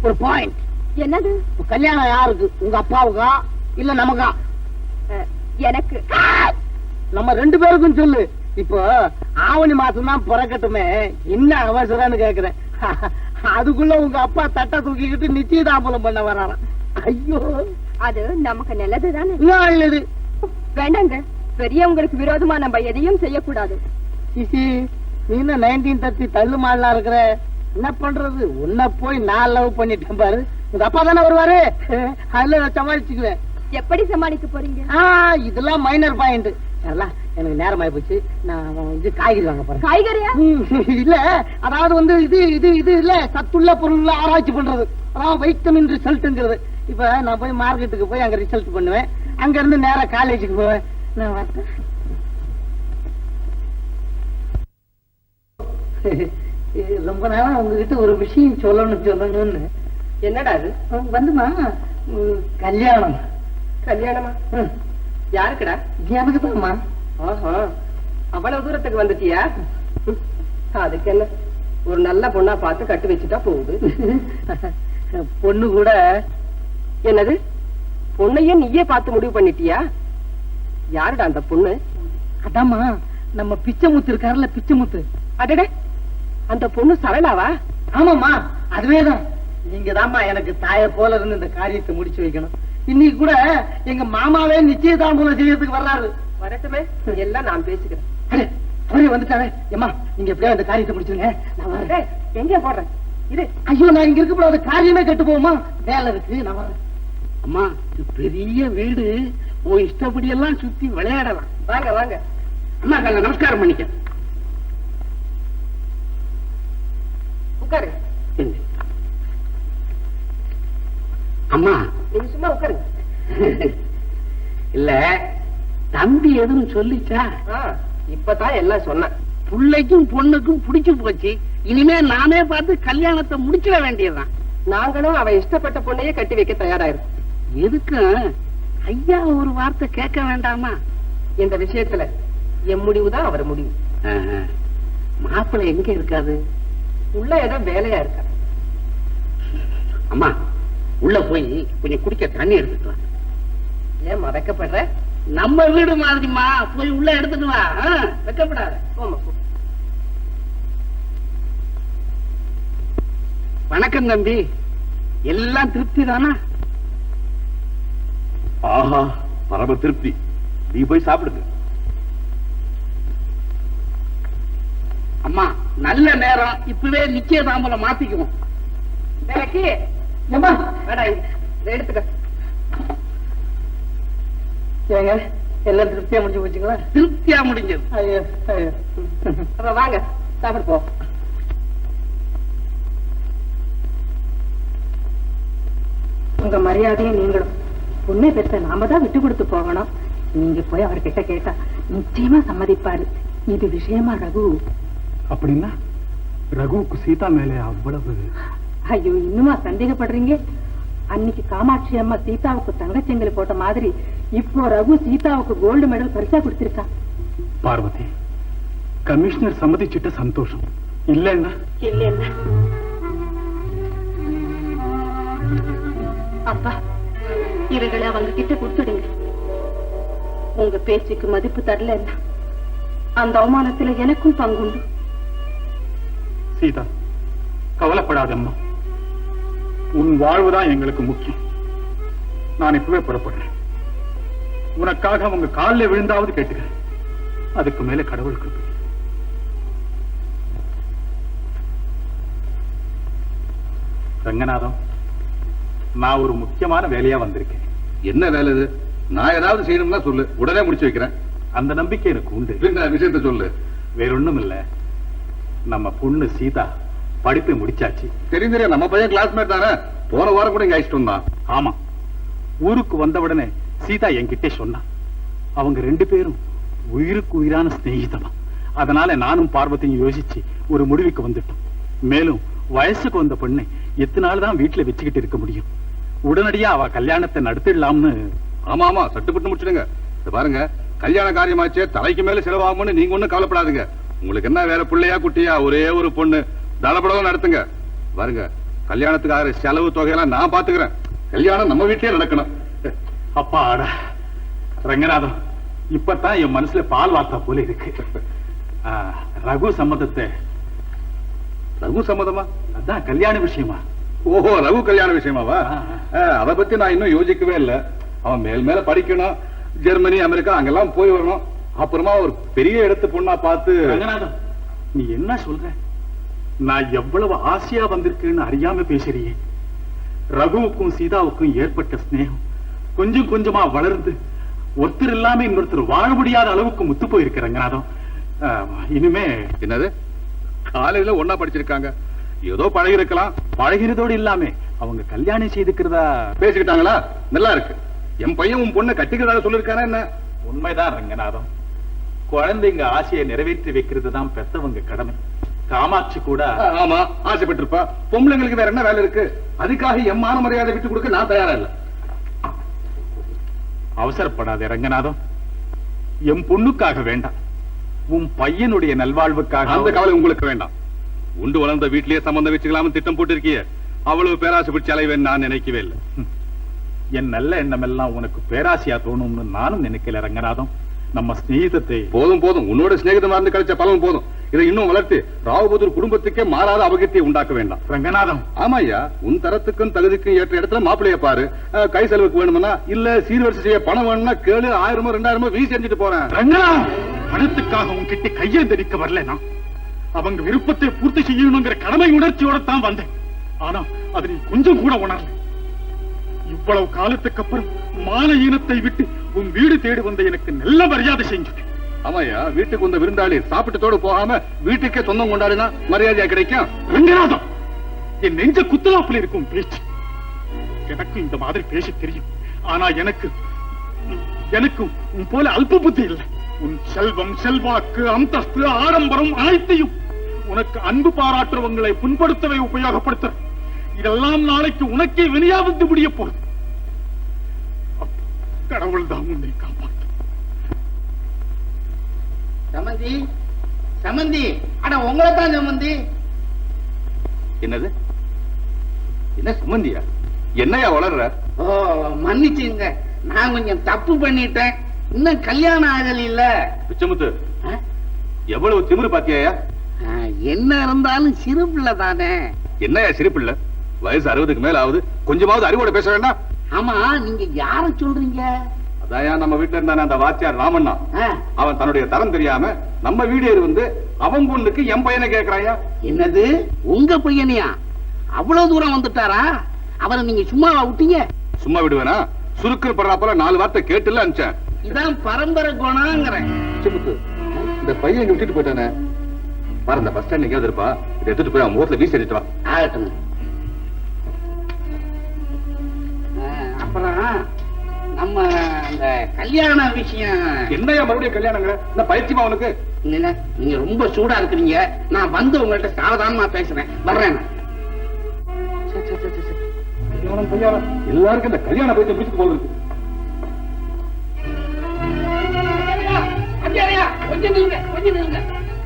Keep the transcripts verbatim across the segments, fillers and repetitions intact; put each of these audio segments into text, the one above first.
ஒரு பாயிண்ட். என்னது? கல்யாணம் யாருக்கு? உங்க அப்பாவுக்கா இல்ல நமக்கா? எனக்கு. நம்ம ரெண்டு பேருக்கும் சொல்லு. இப்போ ஆவணி மாசம் தான் பிறக்கட்டுமே, என்ன அவசரம்னு கேக்குறேன். அதுக்குள்ள உங்க அப்பா தட்டை தூக்கிக்கிட்டு நிச்சயதாம்பலம் பண்ண வராராம். ஐயோ, அது நமக்கு நல்லதுதானே? நல்லது. வேண்டாங்க, பெரியவங்களுக்கு விரோதமா நம்ம எதையும் செய்யக்கூடாது. சிசி, நீ என்ன நைன்டீன் தேர்ட்டி தள்ளு மாடலா இருக்கிற? என்ன பண்றது, உன்ன போய் நான் லவ் பண்ணிட்டேன் பாரு. உங்க அப்பா தானே வருவாரு, அதுல நான் சமாளிச்சுக்குவேன். எப்படி சமாளிக்க போறீங்க? இதெல்லாம் மைனர் பாயிண்ட். எனக்கு நேரம் ஆயி போச்சு, நான் இது காய்கறி வாங்க போறேன். காய்கறியா? இல்ல, அதாவது வந்து இது இது இது இல்ல, சத்துள்ள பொருள் ஆராய்ச்சி பண்றது, அதாவது வைட்டமின் ரிசல்ட்ங்கிறது. இப்ப நான் போய் மார்க்கெட்டுக்கு போய் அங்க ரிசல்ட் பண்ணுவேன், அங்க இருந்து நேரா காலேஜுக்கு போவேன். நான் வரேன். ரொம்ப நாளா உங்ககிட்ட ஒரு விஷயம் சொல்லணும் சொல்லணும்னு. என்னடா அது? வந்துமா, கல்யாணம். கல்யாணமா? யாருக்குடா? எனக்கு தான்மா. அவ்வளவு தூரத்துக்கு வந்துட்டியா? அதுக்கு என்ன, ஒரு நல்ல பொண்ணா பார்த்து கட்டி வச்சுட்டா போகுது. பொண்ணு கூட. என்னது, பொண்ணையும் நீயே பார்த்து முடிவு பண்ணிட்டியா? யாருடா அந்த பொண்ணு? அதாம்மா, நம்ம பிச்சைமுத்து இருக்காருல்ல, பிச்சைமுத்து. அடடே, அந்த பொண்ணு சரளாவா? ஆமாம்மா, அதுவேதான். நீங்க தாம்மா எனக்கு தாய போல இருந்து இந்த காரியத்தை முடிச்சு வைக்கணும். இன்னைக்கு கூட எங்க மாமாவே நிச்சயதாம்பூலம் செய்யறதுக்கு வர்றாரு. வரட்டுமே, எல்லாம் நான் பேசிக்கிறேன். அவரே வந்துட்டாரு. ஏமா, நீங்க எப்படியா இந்த காரியத்தை முடிச்சுங்க, நான் வரேன். எங்க போடுறேன் இது? ஐயோ, நான் இங்க இருக்க காரியமே கெட்டு போகுமா, வேலை இருக்கு, நான் வரேன். அம்மா, இது பெரிய வீடு, உன் இஷ்டப்படி எல்லாம் சுத்தி விளையாடலாம். வாங்க வாங்க. அம்மா, கல்ல நமஸ்காரம் பண்ணிக்க. உட்காரு. அம்மா, நீங்க சும்மா உட்காருங்க. இல்ல, தம்பி எதுவும் சொல்லிச்சா? இப்பதான் எல்லாம் சொன்னேன். பிள்ளைக்கும் பொண்ணுக்கும் பிடிச்சு போச்சு, இனிமே நானே பார்த்து கல்யாணத்தை முடிச்சிட வேண்டியதுதான். நாங்களும் அவ இஷ்டப்பட்ட பொண்ணையே கட்டி வைக்க தயாராயிருக்கும். எதுக்கும் ஐயா ஒரு வார்த்தை கேட்க வேண்டாமா? இந்த விஷயத்துல என் முடிவுதான் அவர் முடிவு. மாப்பிள்ளை எங்க இருக்காது? உள்ள ஏதோ வேலையா இருக்க. அம்மா, உள்ள போய் கொஞ்சம் குடிக்க தண்ணி எடுத்துட்டு வா. ஏன் வெக்கப்படுற? நம்ம வீடு மாதிரிமா, போய் உள்ள எடுத்துட்டு வா, வெக்கப்படாத. வணக்கம் தம்பி, எல்லாம் திருப்தி தானா? ஆஹா, பரம திருப்தி. நீ போய் சாப்பிடுங்க. அம்மா, நல்ல நேரம், இப்பவே நிச்சயதாம்பலம் மாத்திக்குவோம். எடுத்துக்க. ஏங்க, எல்லாம் திருப்தியா முடிஞ்சு போச்சுங்களா? திருப்தியா முடிஞ்சது. ஐயோ ஐயோ. அப்ப வாங்க சாப்பிடு போ. உங்க மரியாதையை நீங்களும் பொண்ணை பெற்ற நாம தான் விட்டு கொடுத்து போகணும். நீங்க போய் அவர்கிட்ட கேட்டா நிச்சயமா சம்மதிப்பாரு. இது விஷயமா ரகு. அப்படின்னா ரகுவுக்கு சீதா மேலே அவ்வளவு? ஐயோ, இன்னுமா சந்தேகப்படுறீங்க? அன்னைக்கு காமாட்சி அம்மா சீதாவுக்கு தங்கச்செங்கல் போட்ட மாதிரி இப்போ ரகு சீதாவுக்கு கோல்டு மெடல் பரிசா கொடுத்திருக்கான். பார்வதி, கமிஷனர் சம்மதிச்சிட்ட சந்தோஷம். இல்லன்னா இல்லன்னா அப்பா, இவங்களை அவங்க கிட்ட கொடுத்துடுங்க. உங்க பேச்சுக்கு மதிப்பு தரலன்னா அந்த அவமானத்துல எனக்கும் பங்குண்டு. சீதா, கவலைப்படாதம்மா, உன் வாழ்வுதான் எங்களுக்கு முக்கியம். நான் இப்பவே புறப்படுறேன். உனக்காக உங்க காலில் விழுந்தாவது கேட்டுக்கிறேன். அதுக்கு மேல கடவுளுக்கு. ரங்கநாதம், நான் ஒரு முக்கியமான வேலையா வந்திருக்கேன். என்ன வேலை இது? நான் ஏதாவது செய்யணும்னா சொல்லு, உடனே முடிச்சு வைக்கிறேன். அந்த நம்பிக்கை எனக்கு உண்டு. விஷயத்த சொல்லு. வேறொன்னும் இல்ல, நம்ம பொண்ணு சீதா படிப்பை முடிச்சாச்சு. தெரியும் தெரியும், நம்ம பையன் கிளாஸ்மேட் தானே. போன வாரம் கூட இங்க அழைச்சிட்டு வந்தான். ஆமா, ஊருக்கு வந்த உடனே சீதா என்கிட்ட சொன்னா. அவங்க ரெண்டு பேரும் உயிருக்கு உயிரான ஸ்நேகிதமா. அதனால நானும் பார்வதியும் யோசிச்சு ஒரு முடிவுக்கு வந்துட்டோம். மேலும் வயசுக்கு வந்த பொண்ணை எத்தனை நாள் தான் வீட்டுல வச்சுக்கிட்டு இருக்க முடியும்? உடனடியா அவ கல்யாணத்தை நடத்திடலாம்னு. ஆமா ஆமா, சட்டுப்பட்டு முடிச்சிடுங்க. பாருங்க, கல்யாண காரியமாச்சே, தலைக்கு மேல செலவாகும்னு நீங்க ஒண்ணும் கவலைப்படாதுங்க. உங்களுக்கு என்ன வேற பிள்ளையா குட்டியா? ஒரே ஒரு பொண்ணு, தளபடம் நடத்துங்க. பாருங்க, கல்யாணத்துக்காக செலவு தொகையெல்லாம் நான் பாத்துக்கிறேன். கல்யாணம் நம்ம வீட்டிலே நடக்கணும். அப்பா ஆடா ரங்கநாதம், இப்பதான் என் மனசுல பால் வார்த்தா போல இருக்கு. ஆ, ரகு சம்மதத்தை. ரகு சம்மதமா? அதான் கல்யாண விஷயமா. ஓஹோ, ரகு கல்யாண விஷயமாவா? ஆ. அதை பத்தி நான் இன்னும் யோசிக்கவே இல்லை. அவன் மேல் மேல படிக்கணும், ஜெர்மனி அமெரிக்கா அங்கெல்லாம் போய் வரணும். அப்புறமா ஒரு பெரிய இடத்து பொண்ணா பார்த்து. ரங்கநாதம், நீ என்ன சொல்ற? நான் எவ்வளவு ஆசையா வந்திருக்கேன்னு அறியாம பேசுறியே. ரகுவுக்கும் சீதாவுக்கும் ஏற்பட்ட ஸ்நேகம் கொஞ்சம் கொஞ்சமா வளர்ந்து ஒருத்தர் இல்லாம இன்னொருத்தர் வாழ முடியாத அளவுக்கு முத்து போயிருக்கு ரங்கநாதம். ஆ, இனிமே என்னது, காலையில ஒன்னா படிச்சிருக்காங்க, ஏதோ பழகி இருக்கலாம். பழகிறதோடு இல்லாம அவங்க கல்யாணம் செய்துக்கிறதா பேசிக்கிட்டாங்களா? நல்லா இருக்கு. என் பையன் உன் பொண்ணை கட்டிக்கிறதா சொல்லிருக்கானா என்ன? உண்மைதான் ரங்கநாதம். குழந்தைங்க ஆசையை நிறைவேற்றி வைக்கிறது தான் பெத்தவங்க கடமை. காமாட்சி கூட ஆமா ஆசைப்பட்டிருப்பா. பொம்பளைங்களுக்கு வேற என்ன வேலை இருக்கு? அதுக்காக என் மான மரியாதை விட்டு கொடுக்க நான் தயாரா இல்ல. அவசரப்படாதே ரங்கநாதம். என் பொண்ணுக்காக வேண்டாம், உன் பையனுடைய நல்வாழ்வுக்காக. அந்த கவலை உங்களுக்கு வேண்டாம். உண்டு வளர்ந்த வீட்டிலேயே சம்பந்தம் வச்சுக்கலாம்னு திட்டம் போட்டு இருக்கிய. அவ்வளவு பேராசை பிடிச்ச அலைவேன் நான் நினைக்கவே இல்லை. என் நல்ல எண்ணம் எல்லாம் உனக்கு பேராசையா தோணும்னு நானும் நினைக்கல ரங்கநாதம். நம்ம ஸ்நேகிதத்தை. போதும் போதும், உன்னோட சிநேகிதமா இருந்து கழிச்ச பலன் போதும். இதை இன்னும் வளர்த்து ராவபுதூர் குடும்பத்துக்கே மாறாத அபகத்தியை உண்டாக்க வேண்டாம். ரங்கநாதம், ஆமா ஐயா, உன் தரத்துக்கும் தகுதிக்கும் ஏற்ற இடத்துல மாப்பிள்ளைய பாரு. அஹ், கை செலவுக்கு வேணும்னா இல்ல சீர்வரிசை செய்ய பணம் வேணும்னா கேளு. ஆயிரமோ ரெண்டாயிரமோ வீசி செஞ்சுட்டு போறேன். ரங்கநாதம், பணத்துக்காக உன்கிட்ட கையெழுந்தடிக்க வரல. நான் அவங்க விருப்பத்தை பூர்த்தி செய்யணுங்கிற கடமை உணர்ச்சியோட தான் வந்தேன். ஆனா அது நீ கொஞ்சம் கூட உணரல. இவ்வளவு காலத்துக்கு அப்புறம் மான ஈனத்தை விட்டு உன் வீடு தேடி வந்த எனக்கு நல்ல மரியாதை செஞ்சுட்டேன். ஆமாய்யா, வீட்டுக்கு வந்த விருந்தாளி சாப்பிட்டதோடு போகாம வீட்டுக்கே சொந்தம் கொண்டாடினா மரியாதையா கிடைக்கும். ரங்கநாதம், என் நெஞ்ச குத்தலாப்புல இருக்கும் பேச்சு. எனக்கு இந்த மாதிரி பேச தெரியும். ஆனா எனக்கு எனக்கு உன் போல அல்ப புத்தி இல்லை. உன் செல்வம், செல்வாக்கு, அந்தஸ்து, ஆடம்பரம் அனைத்தையும் உனக்கு அன்பு பாராட்டுறவங்களை புண்படுத்தவே உபயோகப்படுத்த. இதெல்லாம் நாளைக்கு உனக்கே வினையாவது முடிய போகுது. கடவுள் தான் உன்னை காப்பாற்று. சமந்தி, சமந்தி, அட உங்களை தான் சமந்தி. என்னது, என்ன சம்பந்தியா? என்னையா வளர்ற? ஓ மன்னிச்சுங்க, நான் கொஞ்சம் தப்பு பண்ணிட்டேன். இன்னும் கல்யாணம் ஆகல இல்ல. பிச்சமுத்து, எவ்வளவு திமிரு பாத்தியாயா? என்ன இருந்தாலும் சிறு பிள்ளை தானே. என்னையா சிரிப்பில்ல? வயசு அறுபதுக்கு மேல ஆகுது, கொஞ்சமாவது அறிவோட பேச வேண்டாம்? ஆமா, நீங்க யார சொல்றீங்க? அதாயா நம்ம வீட்டுல இருந்தானே அந்த வாத்தியார் ராமண்ணா. ஆ, அவன் தன்னுடைய தரம் தெரியாம நம்ம வீடு வந்து அவன் பொண்ணுக்கு என் பையனை கேக்குறாயா. என்னது, உங்க பையனையா? அவ்வளவு தூரம் வந்துட்டாரா? அவரை நீங்க சும்மாவா விட்டீங்க? சும்மா விடுவேனா? சுருக்குன்னு படுறாப்பல நாலு வார்த்தை கேட்டுல அனுப்பிச்சேன். இதான் பரம்பரை குணங்கிறேன். பிச்சமுத்து, இந்த பையன் இங்க விட்டுட்டு போயிட்டானே பாரு, இந்த பஸ் ஸ்டாண்ட் எங்கேயாவது இருப்பா. இதை எடுத்துட்டு போய் அவன் முகத்துல வீசி எடுத்து வா. ஆகட்டும். ஆ, அப்புறம் நம்ம அந்த கல்யாண விஷயம். என்னையா மறுபடியும் கல்யாணங்கிற? இந்த பயிற்சிமா அவனுக்கு? இல்ல, நீங்க ரொம்ப சூடா இருக்கிறீங்க. நான் வந்து உங்கள்ட்ட சாவதானமா பேசுறேன். வர்றேன். கல்யாணம் கல்யாணம் எல்லாருக்கும் இந்த கல்யாண பயிற்சி பிடிச்சு போகுது. கொஞ்சம் நில்லுங்க, கொஞ்சம் நில்லுங்க.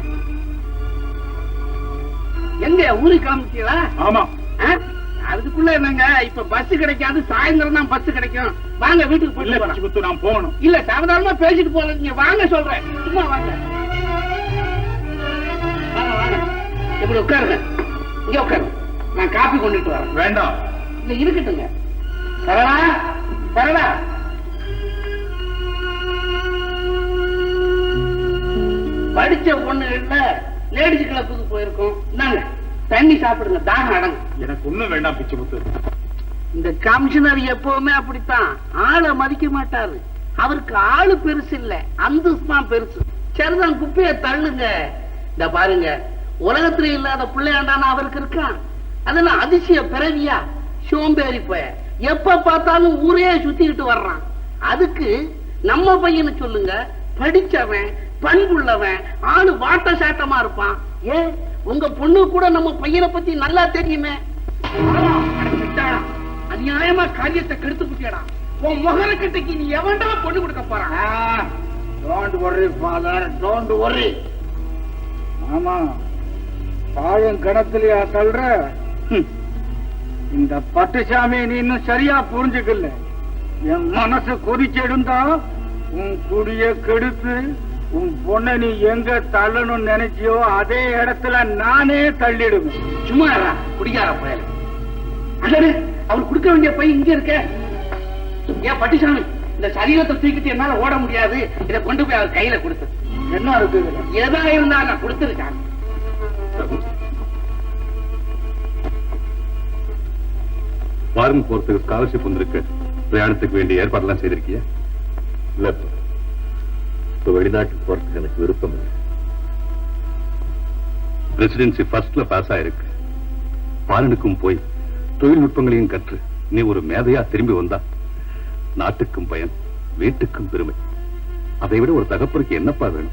எங்க ஊருக்கு கிளம்பிட்டீங்களா? ஆமா. ஆ? அதுக்குள்ள என்னங்க, இப்ப பஸ் கிடைக்காது, சாயந்தரம் தான் பஸ் கிடைக்கும். வாங்க வீட்டுக்கு இல்ல போயிட்டு பிச்சமுத்து, நான் போகணும். இல்ல, சாவதானமா பேசிட்டு போல. நீங்க வாங்க சொல்றேன். சும்மா வாங்க. வாங்க வாங்க, இப்படி உட்காருங்க. இங்க உட்காருங்க, நான் காப்பி கொண்டுட்டு வரேன். வேண்டாம். இல்ல இருக்கட்டுங்க. சரடா, சரடா. படிச்ச பொண்ணுகள்ல லேடிஸ் கிளப்புக்கு போயிருக்கோம். இந்தாங்க தண்ணி சாப்பிடுங்க, தாகம் அடங்கும். எனக்கு ஒண்ணும் வேண்டாம் பிச்சமுத்து. இந்த கமிஷனர் எப்பவுமே அப்படித்தான், ஆளை மதிக்க மாட்டாரு. அவருக்கு ஆளு பெருசு இல்ல, அந்தஸ்து தான் பெருசு. சரிதான், குப்பைய தள்ளுங்க. இந்த பாருங்க, உலகத்துல இல்லாத பிள்ளையாண்டான அவருக்கு இருக்கான். அதெல்லாம் அதிசய பிறவியா? சோம்பேறி போய எப்ப பார்த்தாலும் ஊரே சுத்திக்கிட்டு வர்றான். அதுக்கு நம்ம பையனை சொல்லுங்க, படிச்சவன், பண்புள்ளவன், ஆளு வாட்ட சாட்டமா இருப்பான். ஏ, உங்க பொண்ணு கூட நம்ம பையனை பத்தி நல்லா தெரியுமே. அநியாயமா காரியத்தை கெடுத்து புட்டியடா. உன் முகர கிட்டக்கு நீ எவன்டா பொண்ணு கொடுக்க போறான்? Don't worry father, don't worry. ஆமா, பாழும் கணத்திலயா சொல்ற? இந்த பட்டுசாமி நீ இன்னும் சரியா புரிஞ்சுக்கல. என் மனசு கொதிச்செடுந்தா உன் குடிய கெடுத்து உன் பொண்ணை நீ எங்க தள்ளணும்னு நினைச்சியோ அதே இடத்துல நானே தள்ளிடுவேன். சும்மா இருடா, குடிக்கார பயல. அடடே, அவர் கொடுக்க வேண்டிய பை இங்க இருக்க. ஏன் பட்டிசாமி, இந்த சரீரத்தை தூக்கிட்டு என்னால ஓட முடியாது, இதை கொண்டு போய் அவர் கையில கொடுத்து. என்ன இருக்கு? எதா இருந்தா நான் கொடுத்துருக்கேன். ஃபாரின் போறதுக்கு ஸ்காலர்ஷிப் வந்திருக்கு. பிரயாணத்துக்கு வேண்டிய ஏற்பாடுலாம் செய்திருக்கியா? இல்ல, இப்ப வெளிநாட்டுக்கு போறதுக்கு எனக்கு விருப்பம் இல்லை. ரெசிடென்சி ஃபர்ஸ்ட்ல பாஸ் ஆயிருக்கு. ஃபாரினுக்கும் போய் தொழில்நுட்பங்களையும் கற்று நீ ஒரு மேதையா திரும்பி வந்தா நாட்டுக்கும் பயன், வீட்டுக்கும் பெருமை. அதை விட ஒரு தகப்பருக்கு என்னப்பா வேணும்?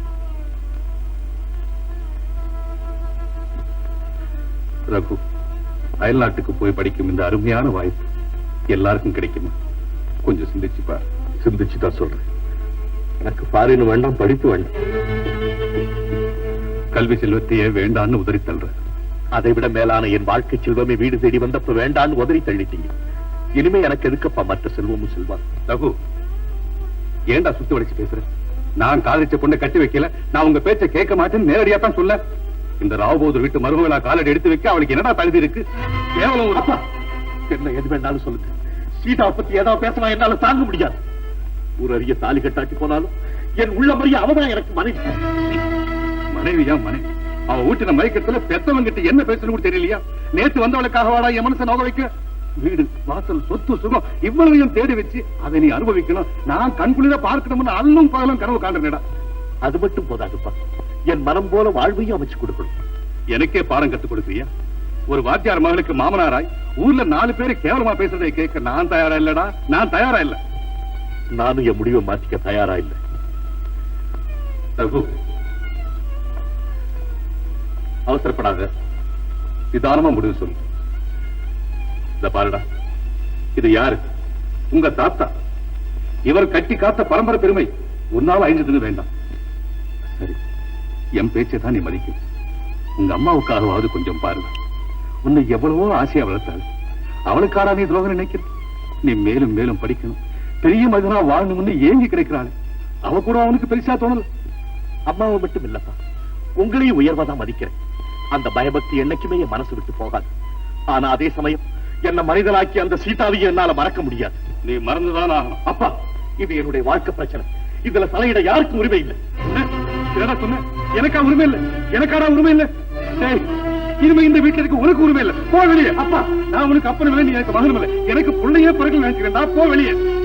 ரகு, அயல் நாட்டுக்கு போய் படிக்கும் இந்த அருமையான வாய்ப்பு எல்லாருக்கும் கிடைக்குமா? கொஞ்சம் சிந்திச்சுப்பா. சிந்திச்சுதான் சொல்றேன். எனக்கு ஃபாரின் வேண்டாம், படிப்பு வேண்டாம். கல்வி செல்வத்தையே வேண்டான்னு உதறி தள்ளுற. அதை விட மேலான என் வாழ்க்கை செல்வமே வீடு தேடி வந்தப்ப வேண்டான்னு உதறி தள்ளிட்டீங்க. இனிமே எனக்கு எதுக்கப்பா மற்ற செல்வமும் செல்வான்? ரகு, ஏண்டா சுத்தி வளைச்சு பேசுற? நான் காதலிச்ச பொண்ணை கட்டி வைக்கல, நான் உங்க பேச்சை கேட்க மாட்டேன்னு நேரடியா தான் சொல்ல. இந்த ராவபோதர் வீட்டு மருமகளா காலடி எடுத்து வைக்க அவளுக்கு என்னடா தகுதி இருக்கு? கேவலம் ஒரு அப்பா, என்ன எது வேண்டாலும் சொல்லுங்க. சீதா பத்தி ஏதாவது பேசலாம், என்னால தாங்க முடியாது. ஒரு அரிய தாலி கட்டாட்டி போனாலும் என் உள்ள மறிய அவதான் எனக்கு மனைவி. மனைவியா மனைவி? அவ ஊட்டின மயக்கத்துல பெத்தவங்க கிட்ட என்ன பேசணும் கூட தெரியலையா? நேற்று வந்தவளுக்காக வாடா என் மனசை நோக வைக்க? வீடு வாசல் சொத்து சுகம் இவ்வளவையும் தேடி வச்சு அதை நீ அனுபவிக்கணும். நான் கண்குளிர பார்க்கணும்னு அல்லும் பகலும் கனவு காண்றேடா. அது மட்டும் போதாதுப்பா, என் மனம் போல வாழ்வையும் அமைச்சு கொடுக்கணும். எனக்கே பாடம் கத்துக் கொடுக்குறியா? ஒரு வாத்தியார் மகளுக்கு மாமனாராய் ஊர்ல நாலு பேரு கேவலமா பேசுறதை கேட்க நான் தயாரா இல்லடா. நான் தயாரா இல்ல. நானும் என் முடிவை மாற்றிக்க தயாரா இல்லை. ரகு, அவசரப்படாத, நிதானமா முடிவு சொல்லு. இந்த பாருடா, இது யாரு? உங்க தாத்தா. இவர் கட்டி காத்த பரம்பரை பெருமை உன்னால அழிஞ்சதுன்னு வேண்டாம். சரி, என் பேச்சை தான் நீ மதிக்கும். உங்க அம்மாவுக்காகவாவது கொஞ்சம் பாருங்க. உன்னை எவ்வளவோ ஆசையா வளர்த்தாள். அவளுக்காரா நீ துரோகம் நினைக்கிற? நீ மேலும் மேலும் படிக்கணும், பெரிய மனிதனா வாழணும்னு ஏங்கி கிடைக்கிறாள். அவ கூட அவனுக்கு பெருசா தோணல. அம்மாவை மட்டும் இல்லப்பா, உங்களையும் உயர்வாதான் மதிக்கிறேன். அந்த பயபக்தி என்னைக்குமே என் மனசு விட்டு போகாது. ஆனா அதே சமயம் என்ன மனிதனாக்கி அந்த சீதாவையும் என்னால மறக்க முடியாது. நீ மறந்துதான் ஆகணும். அப்பா, இது என்னுடைய வாழ்க்கை பிரச்சனை. இதுல தலையிட யாருக்கும் உரிமை இல்லை. என்னடா சொன்ன? எனக்கா உரிமை இல்லை? எனக்காடா உரிமை இல்லை? இனிமே இந்த வீட்டுல இருக்க உனக்கு உரிமை இல்லை. போ வெளியே. அப்பா, நான் உனக்கு அப்பனும் இல்லை, நீ எனக்கு மகனும் இல்லை. எனக்கு பிள்ளையே பிறகு நினைக்கிறேன். போ வெளியே.